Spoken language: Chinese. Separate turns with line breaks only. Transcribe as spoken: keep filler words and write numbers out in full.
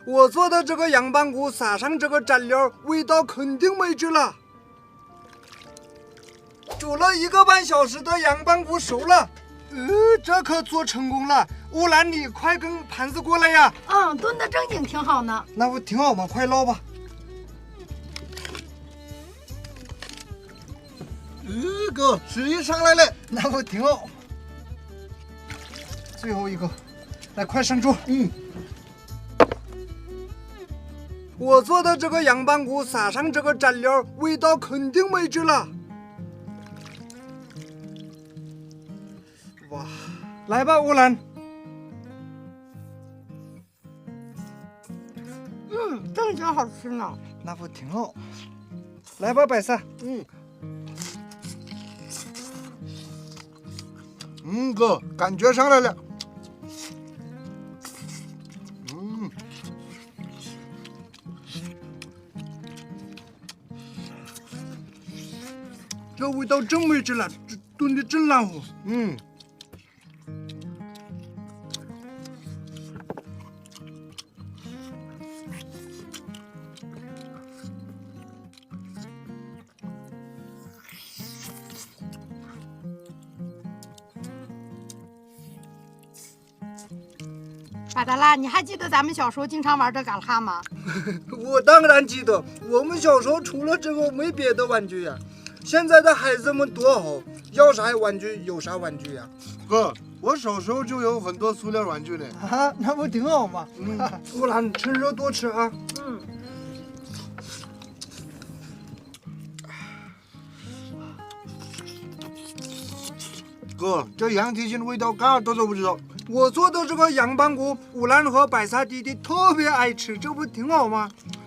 我做的这个羊棒骨撒上这个蘸料，味道肯定美极了。煮了一个半小时的羊棒骨熟了，呃，这可做成功了。乌兰，你快跟盘子过来呀！
嗯，炖的正经挺好呢。
那不挺好吗？快捞吧。
呃，哥，水也上来了，
那不挺好。最后一个，来，快上桌。
嗯。
我做的这个羊棒骨撒上这个蘸料，味道肯定美极了。哇，来吧，乌兰。
嗯，正经好吃呢。
那不挺好？来吧，百萨。
嗯。嗯，哥，感觉上来了。嗯。
这味道真美极了，这炖的真烂乎。
嗯。
巴达拉，你还记得咱们小时候经常玩这嘎啦吗？
我当然记得，我们小时候除了这个没别的玩具呀。现在的孩子们多好，要啥玩具有啥玩具呀。
哥，我小时候就有很多塑料玩具呢。
啊，那不挺好吗？
嗯，
乌兰，趁热多吃啊。
嗯。
哥，这羊蹄筋味道嘎多少不知道。
我做的这个羊棒骨，乌兰和百萨弟弟特别爱吃，这不挺好吗？